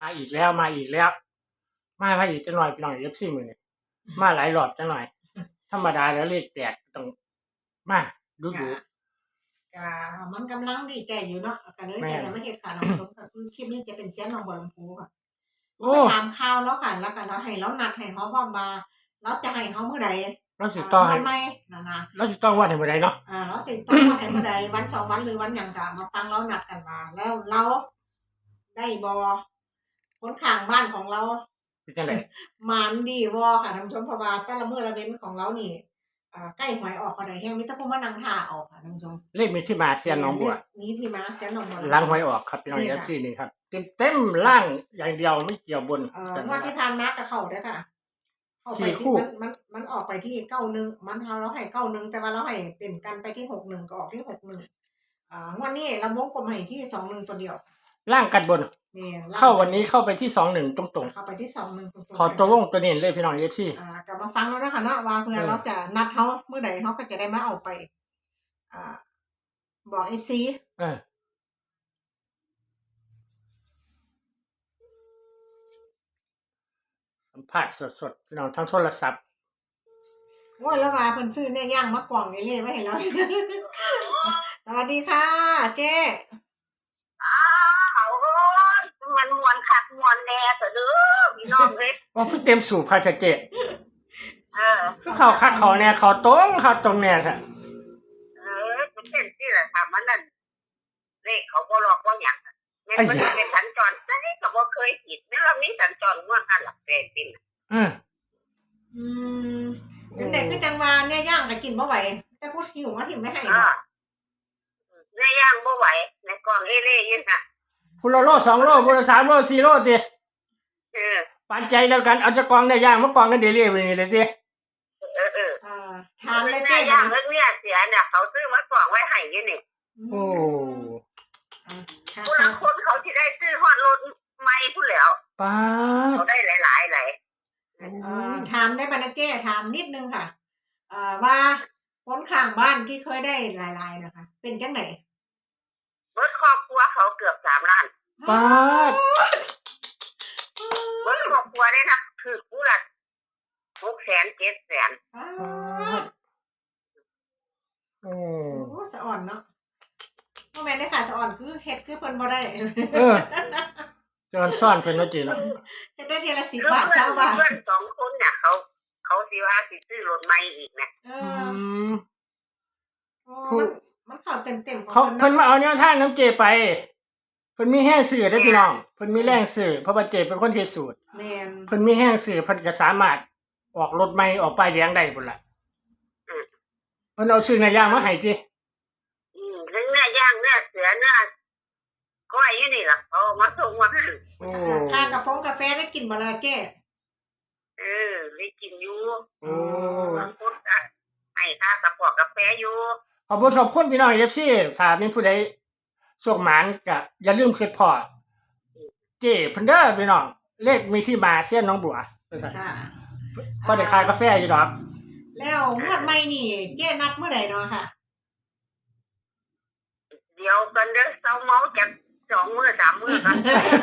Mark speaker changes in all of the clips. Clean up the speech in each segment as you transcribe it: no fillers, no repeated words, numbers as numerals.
Speaker 1: มาอีกแล้วมาอีกแล้วมาอีกจังหน่อยพี่น้องเอฟซีมื้อนี้มาหลายรอบจังหน่อยธรรมดาแล้วเลขแตกต้องมาดู
Speaker 2: ก็มันกำลังดีใจอยู่เนาะก็เลยจะยังไม่เฮ็ดค่ะน้องชมก็คือคลิปนี้จะเป็นเสียงน้องบัวลำพูค่ะไปถามข่าวแล้วค่ะแล้วก็เราให้เรานัดให้เฮาพร้อมว่าเราจะให้เฮามื้อใด
Speaker 1: เราสิต่อให้
Speaker 2: วันใหม่นะ
Speaker 1: เราสิต่อวันให้มื้อใดเนาะ
Speaker 2: เราสิต้องวันให้มื้อใดวัน2วันหรือวันหยังก็มาฟังเรานัดกันว่าแล้วเราได้บ่คนข้างบ้านของเรา
Speaker 1: เป็นจังได๋
Speaker 2: หมานดีบ่ค่ะท่านผู้ชมเพราะว่าแต่ละมื้อละเว้นของเรานี่ใกล้หวยออกก็ได้แฮงมีแต่ผู้มานั่งท่าเอาค่ะท่านผู้ชม
Speaker 1: เลขมีที่มาเสียนหนองบัว
Speaker 2: มีที่มาเสียนหนองบัว
Speaker 1: หลังหวยออกครับพี่น้อง FC นี่ครับเต็มๆล่างอย่างเดียวไม่เกี่ยวบน
Speaker 2: งวดที่ผ่านมาก็เข้าเด้อค่ะเข้าไปที่มันออกไปที่91มันเราให้91แต่ว่าเราให้เป็นกันไปที่61ก็ออกที่61งวดนี้เราวงกลมให้ที่21ตัวเดียว
Speaker 1: ล่างกันบนเข้าวันนี้เข้าไปที่21ตรงๆ
Speaker 2: เข้าไปที่21ตรง
Speaker 1: ๆขอตัววงตัวนี้เลยพี่น้อง FC
Speaker 2: กลับมาฟังแล้วนะคะเนาะว่าเพื่อเราจะนัดเฮาเมื่อใดเฮาก็จะได้มาเอาไปบอก FC
Speaker 1: สัมภาษณ์สดๆพี่น้องทางโทรศัพท์
Speaker 2: โอ้ยแล้วว่าเพิ่นซื้อเนี่ยย่างมากล่องนี่เลยไว้ให้เราสวัสดีค่ะเจ๊
Speaker 3: มันมวนคักมวนแน่เถอะเด้อพี่น้องเอ้ย
Speaker 1: ว่าเต็มสูบค่ะเจ๊คือเขาคักเขาแน่เขาตรงแน่ค่ะ
Speaker 3: มันเป็นที่ล่ะค่ะมันนั่นเลขเขาบ่หลอกบ่หยังแม่นมันเป็นสัญจรได้ก็บ่เคยผิดแม่เรามีสัญจรม่วนอันหลักแปดปิ่น
Speaker 2: จังได๋คือจังว่าเนี่ยย่างก็กินบ่ไหวแต่พูดหิวมาถิ่มไม่ให้
Speaker 3: เนี่ยย่างบ่ไหวในกล่องเล่ๆอยู่น่ะ
Speaker 1: พุละโล2โลพุละ3โล4โลติปานใจแล้วกันเอาจะกองได้ย่างมากองกันเดลี่ไปนี่เลยติ
Speaker 2: ถามเลย
Speaker 3: เจ๊ย่างเพิ่นเนี่ยเสียเนี่ยเขาซื้อมากองไว้ให้อยู่นี่
Speaker 1: โอ้
Speaker 3: ผู้ลางคนเขาสิได้ซื้อฮอดรถใหม่พุ่นแล้ว
Speaker 1: ป๊าด
Speaker 3: เขาได้หลาย
Speaker 2: ถามได้บ่นะเจ๊ถามนิดนึงค่ะว่าคนข้างบ้านที่เคยได้หลายๆนะคะเป็นจังได๋
Speaker 3: เบิดครอบครัวเขาเกือบ3ล้าน
Speaker 1: ป๊าด
Speaker 3: เบิดครอบครัวได้นะคือผู้ละ600,000 700,000
Speaker 2: โอ้สะอ่อนเนาะบ่แม่นได้ค่ะสะอ่อนคือเฮ็ดคือเพิ่นบ่ได้
Speaker 1: จอนซ่อนเพิ่นว่าจิเนาะ
Speaker 2: เฮ็ดได้ทีละ10 บาท20 บาท
Speaker 3: เพื่อน2คนเนี่ยเขาสิว่าสิซื้อรถใหม่อีกนะ
Speaker 2: มันเข้าเต็มๆ
Speaker 1: เขาเพิ่นมาเอาแนวทางน้ำเจไปเพิ่นมีแห้งซื้อได้พี่น้องเพิ่นมีแรงซื้อเพราะว่าเจเป็นคนเฮ็ดสูตร
Speaker 2: แม่น
Speaker 1: เพิ่นมีแห้งซื้อเพิ่นก็สามารถออกรถใหม่ออกป้ายแดงได้พุ่นล่ะเพิ่นเอาซื้อเนื้อย่างมาให้ติ
Speaker 3: ถึงเนื้อย่างเนื้อเสือเนื้อก้อยอยู่นี่ล่ะเอามาส่งมาให้
Speaker 2: ค่ากาแฟได้กินบ่ล่ะเจ๊
Speaker 3: ได้กินอยู่บางคนก็ให้ค่ากระป๋องกาแฟอยู่
Speaker 1: ขอบคุณพี่น้อง FC ถ้ามีผู้ใดโชคหมานก็อย่าลืมคิดพอเจ้เพิ่นเด้อพี่น้องเลขมีที่มาเสียนหนองบัวว่าซั่นบ่ได้ขายกาแฟอยู่ดอก
Speaker 2: แล้วงวดใหม่นี่เจ๊นัดมื้อใดเนาะค่ะ
Speaker 3: เดี๋ยวกันเด้อเซาเมาจัก2 มื้อ 3 มื้อกัน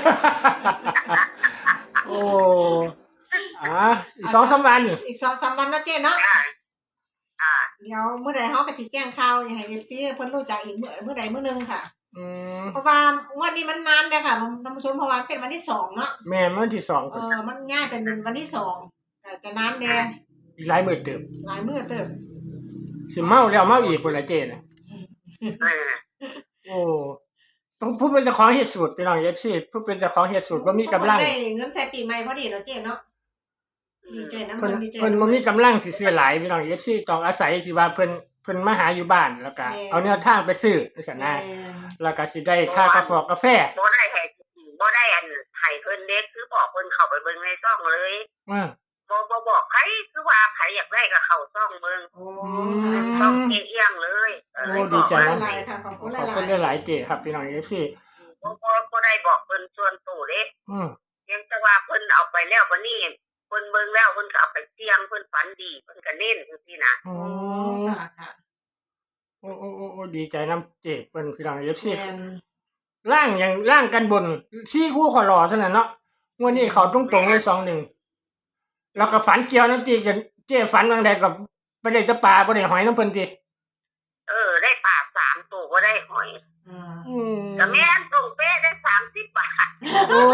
Speaker 1: โอ้อีก 2-3 วัน
Speaker 2: อีก 2-3 วันเนาะเจ๊เนาะเดี๋ยวมื้อใดเฮาก็สิแจ้งข่าวให้ FC เพิ่นรู้จักอีกมื้อใดมื้อนึงค่ะเพราะว่างวดนี้มันนานแล้วค่ะท่านผู้ชมเพราะว่าเป็นวันที่2เนาะ
Speaker 1: แม่นวันที่2
Speaker 2: มันง่ายเป็นวันที่2ก็จะนานแน่
Speaker 1: อีกหลายมื้อเติบสิเมาแล้วเมาอีกพุ่นล่ะเจ๊น่ะโอ้ต้องพูดเป็นเจ้าของเฮ็ดสูตรพี่น้อง FC พูดเป็นเจ้าของเฮ็ดสูตรบ่มีกำลัง
Speaker 2: ได้เงินใช้ปีใหม่พอดีเนาะเจ๊เนาะดีใจนำ
Speaker 1: ดีใจเพิ่นบ่มีกำลังสิซื้อหลายพี่น้อง FC ต้องอาศัยที่ว่าเพิ่นมาหาอยู่บ้านแล้วก็เอาแนวทางไปซื้อจังซั่นนะแล้วก็สิได้ค่ากาแฟ
Speaker 3: บ่ได้อันให้เพิ่นเด็กคือบอกเพิ่นเข้าไปเบิ่งในช่องเลยบ่บอกใครคือว่าใครอยากได้ก็เข้าช่องเบิ่งต้องเอียงเลย
Speaker 1: ดีใจ
Speaker 2: หลายๆค่ะขอบคุณ
Speaker 1: หลายๆเจ๊ครับพี่น้อง FC
Speaker 3: บ่ได้บอกเพิ่นส่วนตัวเด้ยังแต่ว่าเพิ่นเอาไปแล้วบัดนี้เพิ่นเบิ่งแล้วเพิ่นก็เอาไปเสี่ยงเพิ่นฝันดีเพิ่นก็เน้นจังซี่นะ
Speaker 2: ค่ะ
Speaker 1: โอ้ดีใจนำเจ๊เพิ่นพี่น้อง FC ล่างกันบน4คู่ขอรอเท่านั้นเนาะงวดนี้เขาตรงๆเลย21แล้วก็ฝันเกี่ยวน้ำตีกันเจ้ฝันบางใดก็บ่ได้จะปลาบ่ได้หอยน้ำเพิ่นติ
Speaker 3: ได้ปลา3ตัวบ่ได้หอยก็แม่นส่งเป้ได้30 บาท
Speaker 1: โอ้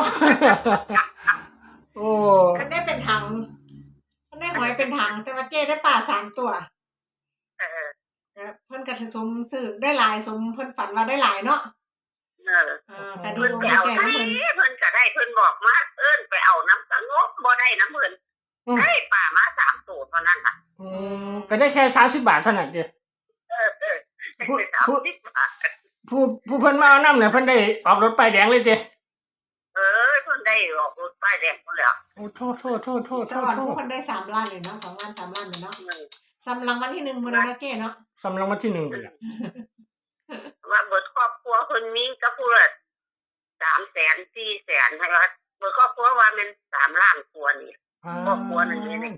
Speaker 1: โอ้
Speaker 2: คันได้เป็นถังคันได้หอยเป็นถังแต่ว่าเจ้ได้ปลา3ตัวเพิ่นก็สิสมซื้อได้หลายสมเพิ่นฝันว่าได้หลายเนาะก็ดี
Speaker 3: เพิ่น
Speaker 2: อก
Speaker 3: ไป
Speaker 2: ดี
Speaker 3: เอา
Speaker 2: ใจ
Speaker 3: ให้
Speaker 2: นำเพิ่น
Speaker 3: เพิ่นก็ได้เพิ่นบอกมาไปเอาน้ำสงบบ่ได้น้ำเพิ่นได้ปลามา3ตัวเท่านั้นน่ะ
Speaker 1: ก็ได้แค่30 บาทเท่านั้นเด้ผู้เพิ่นมาเอาน้ำเนี่ยเพิ่นได้ออกรถป้ายแดงเลยติ
Speaker 3: เพิ่นได้ออกรถป้ายแดงพุ่นแล้ว
Speaker 1: โอ้โทษ
Speaker 2: สวรรค์ผู้เพิ่นได้3ล้านเลยเนาะ2ล้าน3ล้านเลยเนาะสำรางวัลที่1มื้อนั้นนะเจ้เนาะ
Speaker 1: สำรางวัลที่1เลยล่ะ
Speaker 3: ว่าเบิดครอบครัวเพิ่นมีก็พูด300,000 400,000ให้ว่าเบิดครอบครัวว่ามัน3ล้านกว่านี่ครอบครัวนึงนี่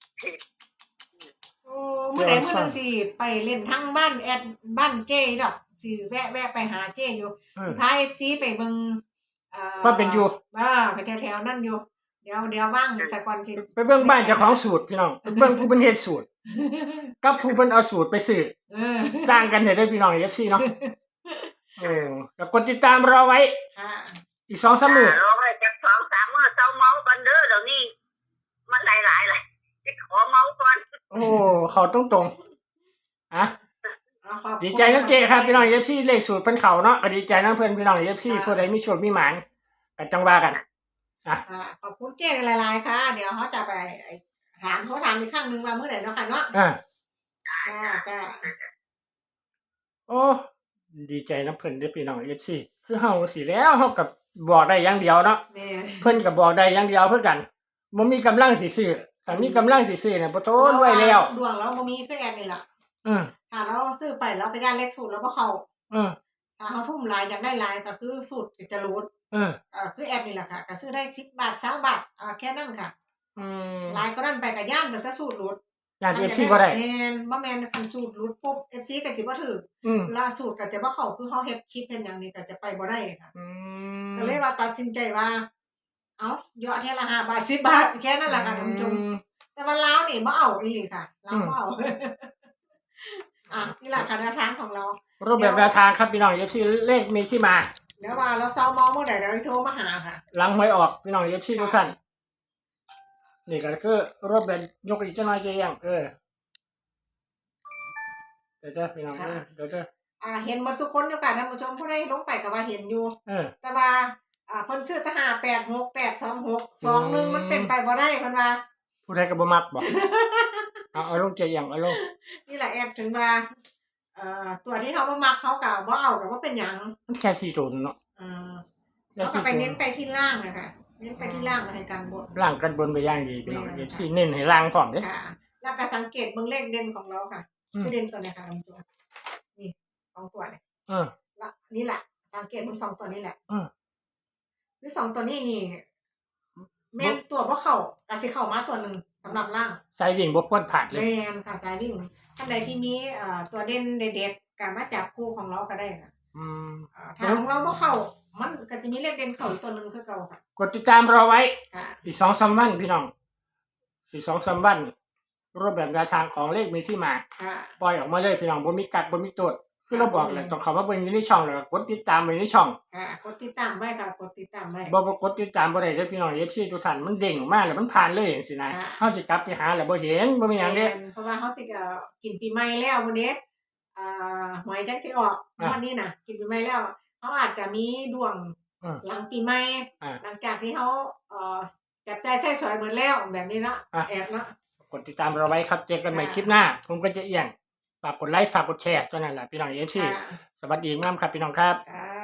Speaker 2: โอ้มื้อใดมื้อนึงสิไปเล่นทั้งบ้านแอดบ้านเจ้ดอกสิแวะไปหาเจ้อยู่พา FC ไปเบิ่ง
Speaker 1: ว่าเป็นอยู่
Speaker 2: ไปแถวๆนั่นอยู่เดี๋ยวว่างแต่ก่อนสิ
Speaker 1: ไปเบิ่งบ้านเจ้าของสูตรพี่น้องไปเบิ่งผู้เพิ่นเฮ็ดสูตรกับผู้เพิ่นเอาสูตรไปซื้อจ้างกันได้พี่น้อง FC เนาะแล้วกดติดตามรอไว้อีก 2-3 มื้อ
Speaker 3: รอไว้จัก 2-3 มื้อเซาเมากันเด้อเดี๋ยวนี้มันหลายๆเลยสิขอเมาก่อน
Speaker 1: โอ้เข้าตรงๆดีใจนำเจ้ครับพี่น้อง FC เลขสูตรเพิ่นเข้าเนาะก็ดีใจนำเพิ่นพี่น้อง FC ผู้ใดมีโชคมีหมานก็จังว่ากัน
Speaker 2: ขอบคุณเจ้หลายๆค่ะเดี๋ยวเขาจะไปถามอีกครั้งนึงว่ามื้อไหนเนาะค่ะเนาะจ้า
Speaker 1: โอ้ดีใจนำเพิ่นเด้อพี่น้อง FC คือเฮาสิแล้วเฮาก็บอกได้อย่างเดียวเนาะเพิ่นก็บอกได้อย่างเดียวคือกันบ่มีกำลังสิซื้อถ้ามีกำลังสิซื้อน่ะบ่โทนไว้แล้ว
Speaker 2: ดวงเราบ่มีคือแอนนี่ล่ะถ้าเราซื้อไปเราก็ย่านเลขสูตรแล้วบ่เข้าถ้าเฮาทุ่มหลายอยากได้หลายก็คือสูตรจะรูดคือแอดนี่แหละค่ะก็ซื้อได้10 บาท20 บาทแค่นั้นค่ะหลายก็นั่นไปก็ย่านแต่สูตรรูด
Speaker 1: ย่าน FC บ่ได้
Speaker 2: บ่แม่นคันสูตรรูดปุ๊บ FC ก็สิบ่ถูกล่าสูตรก็จะบ่เข้าคือเฮาเฮ็ดคลิปเฮ็ดหยังนี่ก็จะไปบ่ได้ค่ะก็เลยว่าตัดสินใจว่าเอ้ายอดเท่าละ5 บาท10 บาทแค่นั้นแหละค่ะท่านผู้ชมแต่ว่าลาวนี่บ่เอาอีหลีค่ะลาวบ่เอานี่แหละค่ะแนวทางของเรา
Speaker 1: รูปแบบแนวทางครับพี่น้อง FC เลขมีที่มา
Speaker 2: เดี๋ยวว่าเราเซามองเมื่อใดเราโทรมาหาค่ะ
Speaker 1: หลังหวยออกพี่น้อง FC ทุกท่านนี่ก็คือรูปแบบยกอีกจังหน่อยจะยังเดี๋ยวพี่น้องเดี๋ยว
Speaker 2: เห็นหมดทุกคนอยู่ค่ะท่านผู้ชมผู้ใดลงไปก็ว่าเห็นอยู่แต่ว่าเพิ่นชื่อทหาร86826 21มันเป็นไปบ่ได้เพิ่นว่า
Speaker 1: ผู้ใดก็บ่มักบ่เอาลงใจยังเอาลง
Speaker 2: นี่แหละแอบถึงว่าตัวที่เขาบ่มักเขาก็บ่เอาก็บ่เป็นหยัง
Speaker 1: มันแค่4ตัวเนาะ
Speaker 2: แล้วก็ไปเน้นไปที่ล่างนะคะเน้นไปที่ล่างให้กันบน
Speaker 1: ล่างกันบนไปอย่างดีพี่น้อง FC เน้นให้ล่างพร้อมเด้
Speaker 2: ค่ะแล้วก็สังเกตเบิ่งเลขเด่นของเราค่ะคือเด่นตัวนี้ค่ะตัวนี่2ตัวเนี่ยแล้วนี่แหละสังเกตทั้ง2ตัวนี้แหละคือ2ตัวนี้นี่แม่นตัวบ่เข้าอาจสิเข้ามาตัวนึงสำหรับล่าง
Speaker 1: สายวิ่งบ่ควรพลาดเลย
Speaker 2: แม่นค่ะสายวิ่งท่านใดที่มีตัวเด่นเด็ดๆก็มาจับคู่ของเราก็ได้ค่ะถ้าของเราบ่เข้ามันก็จะมีเลขเด่นเข้าอีกตัวนึงคือเก่าค่ะ
Speaker 1: กดติดตามรอไว้อีก 2-3 วันพี่น้องอีก 2-3 วันรูปแบบแนวทางของเลขมีที่มาปล่อยออกมาเลยพี่น้องบ่มีกัดบ่มีตดคือเราบอกแหละต้องเข้ามาเบิ่งอยู่ในช่องแล้วกดติดตามไว้ในช่อง
Speaker 2: กดติดตามไว้ค่ะกดติดตามไว้
Speaker 1: บ่กดติดตามบ่ได้เด้อพี่น้อง FC ทุกท่านมันเด้งออกมาแล้วมันผ่านเลยจังซี่นะเฮาสิกลับไปหาแล้วบ่เห็นบ่มีหยังเด้
Speaker 2: เพราะว่าเฮาสิกินปีใหม่แล้วมื้อนี้หวยจังสิออกวันนี้น่ะกินปีใหม่แล้วเฮาอาจจะมีดวงหลังปีใหม่หลังจากที่เฮาจับจ่ายใช้สอยหมดแล้วแบบนี้เนาะแอบเนาะ
Speaker 1: กดติดตามเราไว้ครับเจอกันใหม่คลิปหน้าผมก็จะเอียงฝากกดไลค์ฝากกดแชร์เท่านั้นแหละพี่น้อง FC สวัสดีงามครับพี่น้องครับ